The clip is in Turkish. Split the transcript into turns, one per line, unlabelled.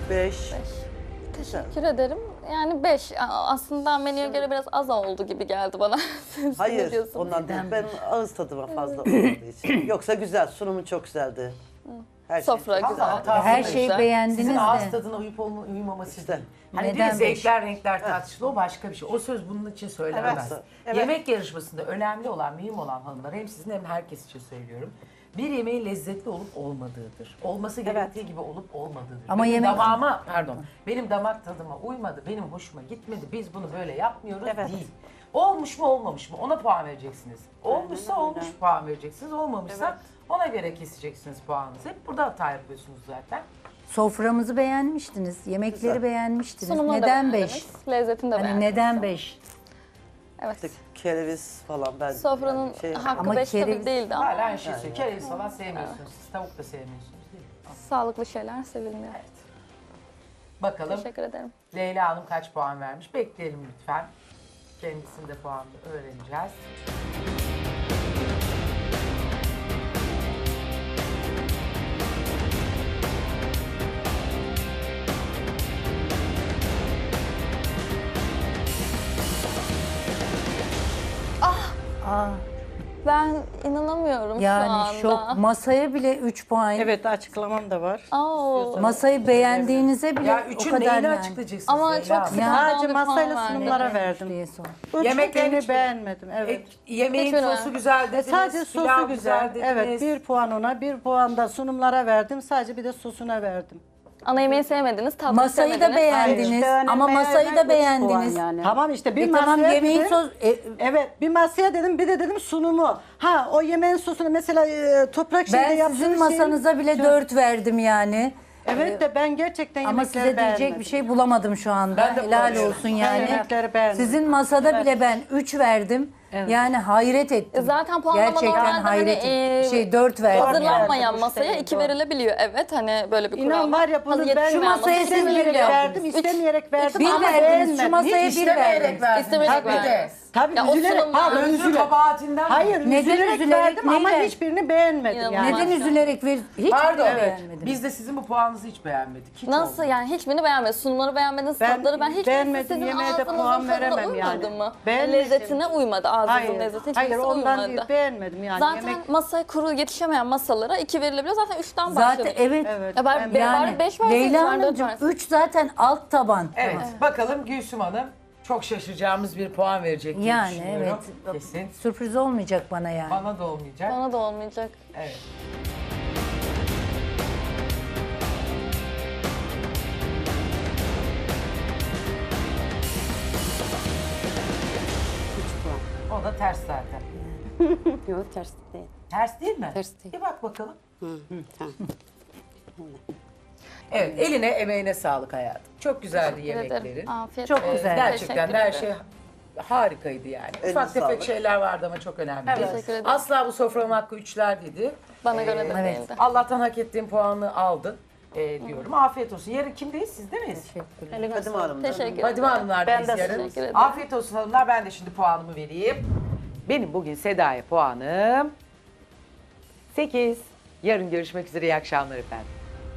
5.
Teşekkür ederim. Yani 5. Aslında menüye göre biraz az oldu gibi geldi bana. Siz ne
Hayır,
diyorsunuz?
ondan değil. Ben ağız tadıma fazla olmadığı için. Yoksa güzel, sunumu çok güzeldi. Her
Sofra
şey çok
güzel.
hatası
Her
da
şeyi
güzel.
beğendiniz
Sizin ağız
de.
tadına uyup uyumaması
İşte.
değil. Hani
Neden
bir zevkler, renkler tartışılı o başka bir şey. O söz bunun için söylenmez.
Evet.
Yemek yarışmasında önemli olan, mühim olan hanımlar hem sizin hem herkes için söylüyorum. Bir yemeğin lezzetli olup olmadığıdır. Olması gerektiği gibi olup olmadığıdır.
Ama
benim
yemek-
benim damak tadıma uymadı, benim hoşuma gitmedi. Biz bunu böyle yapmıyoruz
Evet.
değil. Olmuş mu olmamış mı ona puan vereceksiniz. Olmuşsa olmuş puan vereceksiniz. Olmamışsa ona göre keseceksiniz puanınızı. Hep burada hata yapıyorsunuz zaten.
Soframızı beğenmiştiniz, yemekleri
Güzel.
beğenmiştiniz.
Sunumunu da
Neden
beğendiniz,
5?
Lezzetini de
Hani
beğendiniz.
neden 5?
Evet.
İşte kereviz falan ben.
Sofranın
yani şey,
hakkı
Ama
5 tabii
kereviz-
değildi ama
Hala aynı şey söylüyor. Kereviz falan sevmiyorsunuz. Siz tavuk da sevmiyorsunuz değil mi?
sağlıklı şeyler sevilmiyor.
Bakalım
Teşekkür ederim.
Leyla Hanım kaç puan vermiş? Bekleyelim lütfen. Kendisinin de puanını öğreneceğiz.
Ben inanamıyorum şu
Yani
anda.
şok. Masaya bile 3 puan.
Evet, açıklamam da var.
Oo.
Masayı beğendiğinize bile
Ya
o
üçün
kadar
neyini
yani.
açıklayacaksınız
Ama
Leyla
çok
Hanım?
sıkıntı
Ya.
Sadece
bir puan
masayla
verdim.
sunumlara
Diye
verdim.
sor.
Yemeklerin
Yemeklerini
hiç-
beğenmedim, evet.
Yemeğin
Hiç öyle.
sosu güzel dediniz.
Sadece sosu
pilav
güzel.
dediniz.
Evet, 1 puan ona, 1 puan da sunumlara verdim. Sadece bir de sosuna verdim.
Ana yemeği sevmediniz, tatlıyı
Masayı da
sevmediniz.
beğendiniz ama masayı da beğendiniz.
Tamam işte bir
Tamam
masaya
yemeğin
dedim.
sos...
Evet, bir masaya dedim, bir de dedim sunumu. Ha, o yemeğin sosunu mesela toprak şeyde
Ben
yaptığınız
sizin masanıza bile 4 verdim yani.
Evet de ben gerçekten
Ama
yemekleri
size diyecek
beğenmedim.
bir şey bulamadım şu anda.
Ben de
Helal
bulamıyorum.
olsun yani.
yemekleri beğenmedim.
Sizin masada bile ben 3 verdim. Yani hayret ettim.
Zaten puanlama
Gerçekten
normalde
hayret
hani,
ettim. 4 verdim.
Hazırlanmayan
yani.
masaya 2 verilebiliyor. Evet hani böyle bir kural
İnan var ya bunu ben
Yetişmeyen
Şu masaya
masaya
siz bir
istemeyerek
verdiniz.
verdim, istemeyerek verdim.
Bir
ama
verdiniz,
beğenmedim.
şu masaya
Hiç
bir
istemeyerek
verdiniz.
verdiniz.
İstemeyerek
Tabii de.
verdiniz.
Tabii
Ya o
üzülerek,
sunum-
pardon
Özür
üzülerek.
kabahatinden mi?
Hayır,
Neden
üzülerek
üzülerek,
verdim ama
neyle?
hiçbirini beğenmedim
İnanılmaz.
yani.
Neden üzülerek hiç
Pardon.
beğenmedim.
Biz de sizin bu puanınızı hiç beğenmedik. Hiç
Nasıl
olmadı.
yani hiçbirini beğenmediniz? Sunumları beğenmediniz,
Ben
tatları ben hiç
beğenmedim,
sizin
yemeğe de
ağzınızın
puan
tadına
veremem
uymadı
yani.
mı?
Beğenmedim.
Lezzetine uymadı, ağzınızın
Hayır,
lezzeti
hayır
hiçbirisi
ondan
uymadı.
değil, beğenmedim yani.
Zaten
Yemek
masaya kuru yetişemeyen masalara 2 verilebiliyor. Zaten 3'ten
Zaten
başladık.
evet.
evet.
Ya bari,
Yani
bari 5 verseydiniz,
Leyla
bari 4
Hanımcığım
verseydiniz.
3 zaten alt taban.
Evet. Bakalım Gülsüm Hanım çok şaşıracağımız bir puan verecek diye
Yani
düşünüyorum.
evet.
Kesin.
Sürpriz olmayacak bana yani.
Bana da olmayacak.
Bana da olmayacak.
Evet. O da ters zaten.
Yok ters değil.
Ters değil mi?
Ters değil.
Bir bak bakalım.
Tamam.
Evet, eline emeğine sağlık hayatım. Çok güzeldi
Teşekkür ederim.
yemeklerin.
Afiyet
Çok
olsun.
güzel.
Gerçekten
Teşekkür
her
ederim.
şey harikaydı yani.
Eline
Ufak tefek
sağlık.
şeyler vardı ama çok önemli değil.
Teşekkür ederim.
Asla bu sofranın hakkı 3'ler dedi.
Bana göre de
Evet.
değildi.
Allah'tan hak ettiğin puanı aldın diyorum. Afiyet olsun. Yarın kimdeyiz? Sizde miyiz?
Fadime Hanım.
Teşekkür ederim.
Fadime Hanımlardayız
Ben de
yarın.
teşekkür ederim.
Afiyet olsun hanımlar. Ben de şimdi puanımı vereyim. Benim bugün Seda'ya puanım 8. Yarın görüşmek üzere. İyi akşamlar efendim.